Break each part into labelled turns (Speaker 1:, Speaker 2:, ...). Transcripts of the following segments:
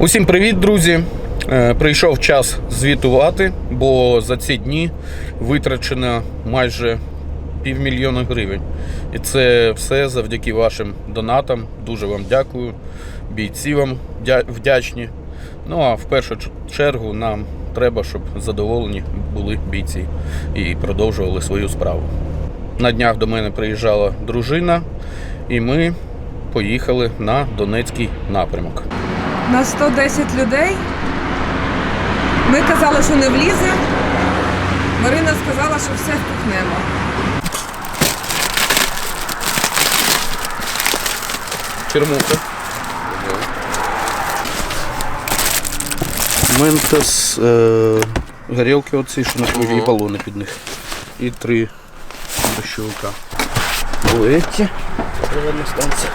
Speaker 1: Усім привіт, друзі! Прийшов час звітувати, бо за ці дні витрачено майже 500 000 гривень. І це все завдяки вашим донатам. Дуже вам дякую. Бійці вам вдячні. Ну а в першу чергу нам треба, щоб задоволені були бійці і продовжували свою справу. На днях до мене приїжджала дружина, і ми поїхали на Донецький напрямок.
Speaker 2: На 110 людей. Ми казали, що не влізе. Марина сказала, що все впихнемо.
Speaker 1: Чермуха. Ментос, горілки оці, що на кругі, балони під них. І 3 дощовика. Буеті. Приводна станція.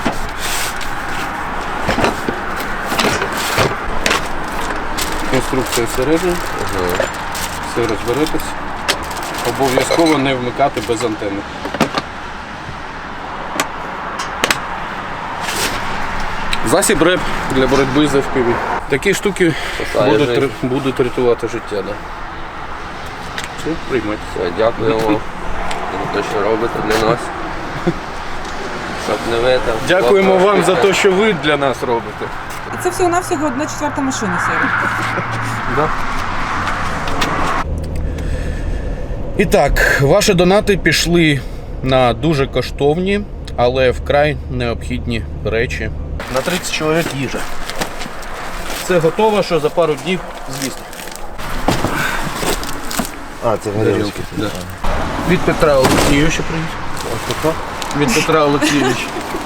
Speaker 1: Інструкція всередині. Все розберетесь. Обов'язково не вмикати без антени. Засіб РЕП для боротьби з FPV. Такі штуки будуть рятувати життя. Да. Все, приймайте.
Speaker 3: Все, дякуємо за те, що робите для нас. Щоб не ви там...
Speaker 1: Дякуємо вам за те, що ви для нас робите.
Speaker 2: І це всього-навсього 1/4 машини сьогодні.
Speaker 1: Да. І так, ваші донати пішли на дуже коштовні, але вкрай необхідні речі. На 30 чоловік їжа. Це готово, що за пару днів з'їсти.
Speaker 4: А, це горілки.
Speaker 1: Да. Від Петра Олексійовича привіт. Від Петра Олексійовича.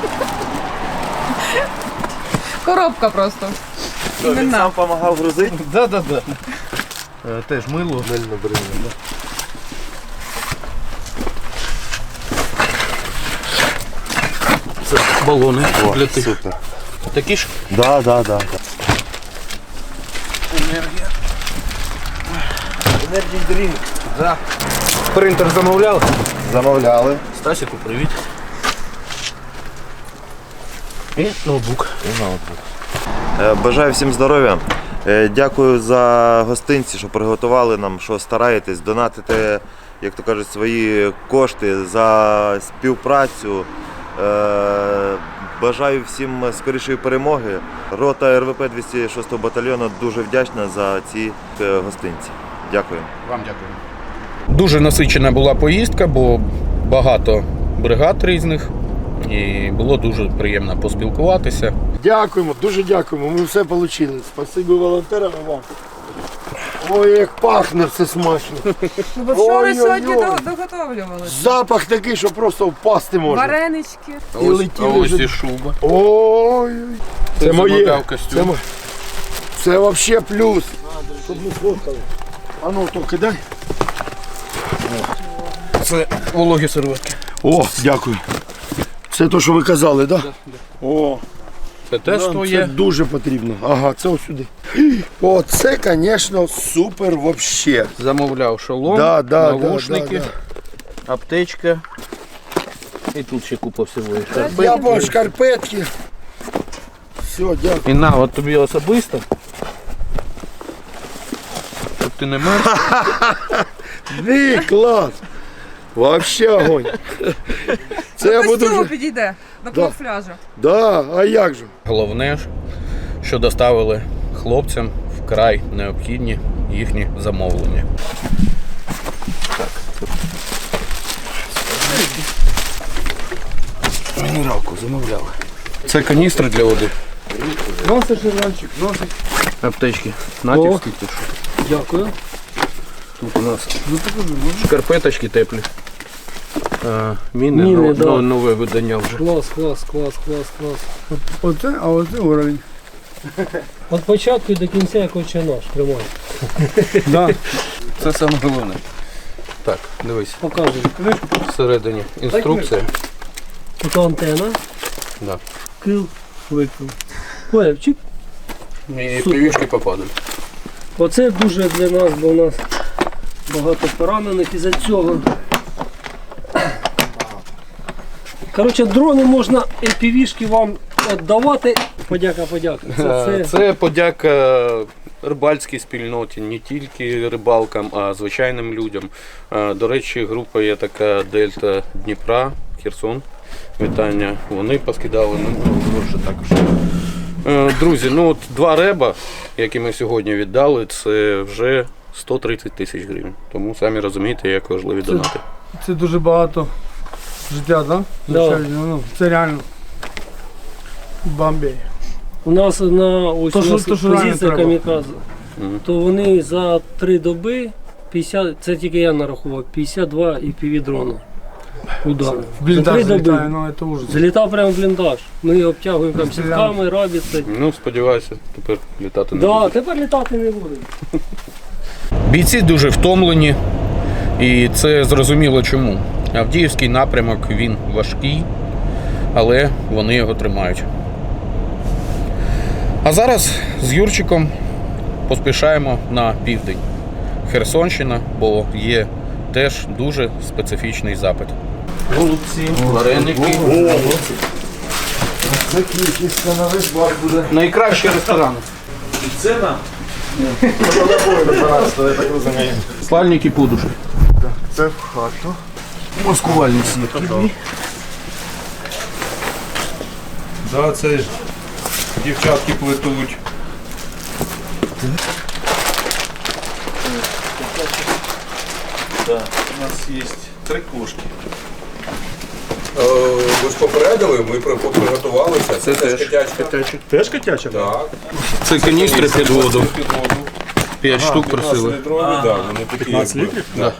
Speaker 2: Коробка просто.
Speaker 4: Він сам допомагав грузити?
Speaker 1: Да. Теж мило.
Speaker 4: Мильно бринно.
Speaker 1: Це балони для тих.
Speaker 4: Супер.
Speaker 1: Такі ж?
Speaker 4: Да.
Speaker 1: Енергія.
Speaker 4: Енергій дрінк.
Speaker 1: Да. Принтер замовляли?
Speaker 4: Замовляли.
Speaker 1: Стасіку, привіт. І ноутбук.
Speaker 4: Бажаю всім здоров'я. Дякую за гостинці, що приготували нам, що стараєтесь, донатите, як то кажуть, свої кошти за співпрацю. Бажаю всім скорішої перемоги. Рота РВП 206 батальйону дуже вдячна за ці гостинці. Дякую.
Speaker 1: Вам дякую. Дуже насичена була поїздка, бо багато бригад різних. І було дуже приємно поспілкуватися.
Speaker 5: Дякуємо, дуже дякуємо. Ми все отримали. Спасибі волонтерам і вам. Ой, як пахне все смачно.
Speaker 2: Бо вчора
Speaker 5: Ой-ой-ой.
Speaker 2: сьогодні доготовлювали.
Speaker 5: Запах такий, що просто впасти можна.
Speaker 2: Варенички.
Speaker 5: І летіли
Speaker 1: ось
Speaker 5: вже.
Speaker 1: і шуба.
Speaker 5: Ой, це моє.
Speaker 1: замовляв костюм.
Speaker 5: Це взагалі плюс. Щоб ми сфоткали. А ну, то кидай.
Speaker 1: Це вологі серветки.
Speaker 5: О, дякую. Це те, що ви казали, так? Да? О,
Speaker 1: Це теж
Speaker 5: нам
Speaker 1: твоє.
Speaker 5: це дуже потрібно. Ага, це ось сюди. О, це, звісно, супер взагалі.
Speaker 1: Замовляв шолом,
Speaker 5: Да,
Speaker 1: навушники, аптечка. І тут ще купа всього. І шкарпетки.
Speaker 5: Я бачу шкарпетки. Все, дякую.
Speaker 1: І на, от тобі особисто. Щоб ти не мерз.
Speaker 5: Ні, клас. Вообще огонь. Це я буду
Speaker 2: Костюму
Speaker 5: вже...
Speaker 2: підійде до камуфляжу.
Speaker 5: Да, а як же?
Speaker 1: Головне, що доставили хлопцям вкрай необхідні їхні замовлення. Мінералку замовляли. Це каністри для води.
Speaker 5: Носиш, Іванчик, носиш.
Speaker 1: Аптечки. Натівські ти що?
Speaker 5: Дякую.
Speaker 1: Тут у нас шкарпеточки теплі. Міни,
Speaker 6: Міни, да.
Speaker 1: нове видання вже.
Speaker 6: Клас.
Speaker 5: Оце, а оце уровень.
Speaker 6: Від початку і до кінця як отче наш, тримай.
Speaker 5: Да.
Speaker 1: Це саме головне. Так, дивись.
Speaker 6: Показуй.
Speaker 1: Всередині інструкція.
Speaker 6: Тут антенна,
Speaker 1: Да.
Speaker 6: кил, викил. Поняв, чик.
Speaker 1: І привічки попадуть.
Speaker 6: Оце дуже для нас, бо у нас багато поранених із-за цього. Коротше, дрони можна, FPV-шки вам віддавати. Подяка.
Speaker 1: Це подяка рибальській спільноті, не тільки рибалкам, а звичайним людям. До речі, група є така Дельта Дніпра, Херсон. Вітання. Вони поскидали, вже також. Друзі, от 2 реба, які ми сьогодні віддали, це вже 130 тисяч гривень. Тому самі розумієте, як важливі донати.
Speaker 7: Це дуже багато життя, так?
Speaker 6: Да.
Speaker 7: Це реально бомбей.
Speaker 6: У нас на ось
Speaker 7: То,
Speaker 6: у
Speaker 7: що-
Speaker 6: нас
Speaker 7: то, що реально
Speaker 6: позиція
Speaker 7: треба.
Speaker 6: камікадзе, то вони за 3 доби 50, це тільки я нарахував, 52 і півдрона. Удар.
Speaker 7: В
Speaker 6: За 3
Speaker 7: бліндаж
Speaker 6: доби.
Speaker 7: залітає, це ужас.
Speaker 6: Залітав прямо в бліндаж. Ми його обтягуємо там сітками, рабіцею.
Speaker 1: Сподіваюся, тепер літати не
Speaker 6: Да,
Speaker 1: буде.
Speaker 6: тепер літати не буде.
Speaker 1: Бійці дуже втомлені, і це зрозуміло чому. Авдіївський напрямок, він важкий, але вони його тримають. А зараз з Юрчиком поспішаємо на південь. Херсонщина, бо є теж дуже специфічний запит. Голубці, вареники.
Speaker 5: Це кількість на весь бар буде.
Speaker 1: Найкращі ресторани.
Speaker 5: Я так розумію.
Speaker 1: Слальники подушки.
Speaker 5: Це в хату.
Speaker 1: Маскувальні сітки.
Speaker 8: Да, це ж дівчатки плетуть. Да, у нас є 3 кошки.
Speaker 9: Ви ж попередили, ми приготувалися. Це теж котячка.
Speaker 8: Теж котяча?
Speaker 9: Так.
Speaker 1: Це каністри під воду.
Speaker 9: Під воду.
Speaker 1: 5 штук
Speaker 9: 15
Speaker 1: просили.
Speaker 9: літрові, так, вони такі.
Speaker 8: 15
Speaker 9: якби.
Speaker 8: літрів?
Speaker 9: Да.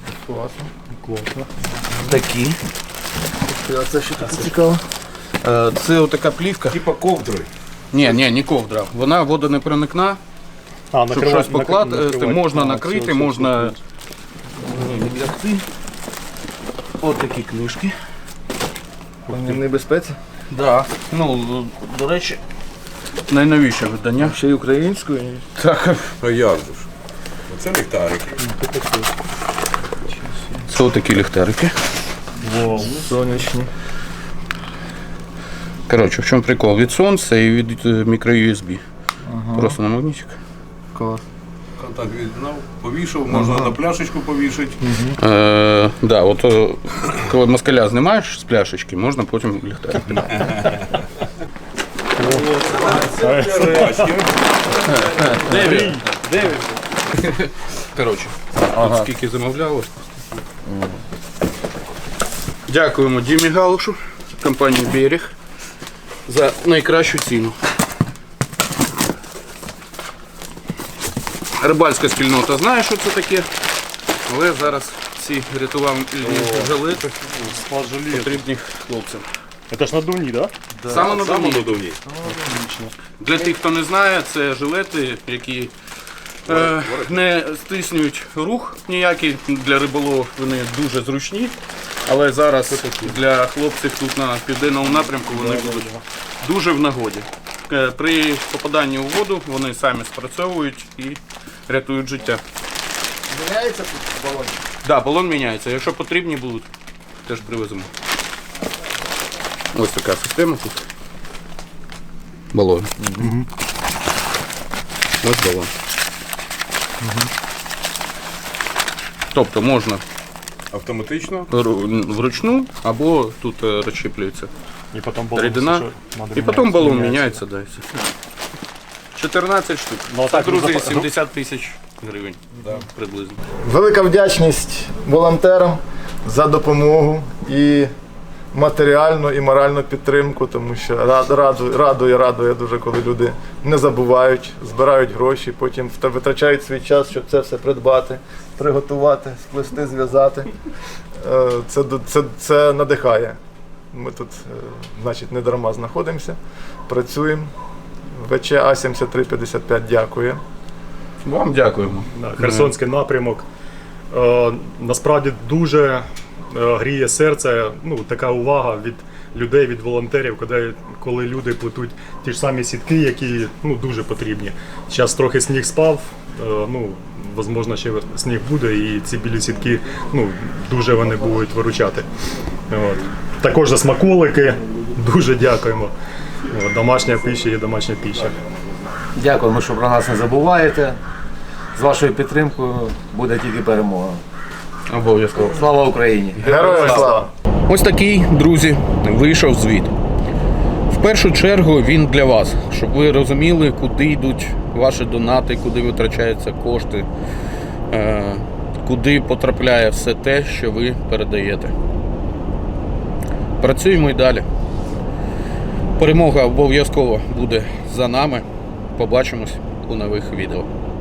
Speaker 1: Такі.
Speaker 5: А це що таке цікаво?
Speaker 1: Це отака плівка.
Speaker 9: Типа ковдри.
Speaker 1: Ні, не ковдра. Вона водонепроникна. Щоб щось покласти, можна накрити, можна лягти. Ось такі книжки.
Speaker 5: Вони в небезпеці.
Speaker 1: Да. До речі, найновіше видання.
Speaker 5: Ще й українською.
Speaker 1: Так.
Speaker 9: А як же ж? Оце ліхтарики.
Speaker 1: Це отакі ліхтарики.
Speaker 5: Сонячні.
Speaker 1: Коротше, в чому прикол? Від сонця і від мікро-USB. Просто на магнітик.
Speaker 5: Клас.
Speaker 9: Контакт віддав, повішав, можна на пляшечку повішати.
Speaker 1: Да, коли москаля знімаєш з пляшечки, можна потім ліхтарик. Дев'ять. Коротше, тут скільки замовлялось. Дякуємо Дімі Галушу, компанії Берег, за найкращу ціну. Рибальська спільнота знає, що це таке, але зараз ці рятувальні жилети потрібні хлопцям.
Speaker 8: Це ж надувні, так?
Speaker 1: Саме надувні. Для тих, хто не знає, це жилети, які не стиснюють рух ніякий. Для риболовів вони дуже зручні, але зараз для хлопців тут на південному напрямку вони будуть дуже в нагоді. При попаданні у воду вони самі спрацьовують і рятують життя.
Speaker 5: Міняється тут балон?
Speaker 1: Так, да, балон міняється. Якщо потрібні будуть, теж привеземо. Ось така система тут. Балон. Ось балон. Тобто можна
Speaker 9: Автоматично.
Speaker 1: вручну або тут розщеплюється
Speaker 8: І потім балон.
Speaker 1: рідина. І потім балон міняється. Да, і все. 14 штук.
Speaker 8: Ну,
Speaker 1: Це,
Speaker 8: так,
Speaker 1: друзі, 70 тисяч гривень приблизно.
Speaker 5: Велика вдячність волонтерам за допомогу і матеріальну, і моральну підтримку, тому що радує дуже, коли люди не забувають, збирають гроші, потім витрачають свій час, щоб це все придбати, приготувати, сплести, зв'язати. Це надихає. Ми тут, значить, не дарма знаходимося, працюємо. ВЧ А7355 дякує.
Speaker 1: Вам дякуємо.
Speaker 8: Херсонський напрямок. Насправді дуже гріє серце, така увага від людей, від волонтерів, коли люди плетуть ті ж самі сітки, які дуже потрібні. Зараз трохи сніг спав, можливо, ще сніг буде, і ці білі сітки дуже вони будуть виручати. Також за смаколики дуже дякуємо. Домашня пища є домашня пища.
Speaker 10: Дякуємо, що про нас не забуваєте. З вашою підтримкою буде тільки перемога.
Speaker 1: Обов'язково.
Speaker 10: Слава Україні!
Speaker 5: Героям слава!
Speaker 1: Ось такий, друзі, вийшов звіт. В першу чергу він для вас, щоб ви розуміли, куди йдуть ваші донати, куди витрачаються кошти, куди потрапляє все те, що ви передаєте. Працюємо і далі. Перемога обов'язково буде за нами. Побачимось у нових відео.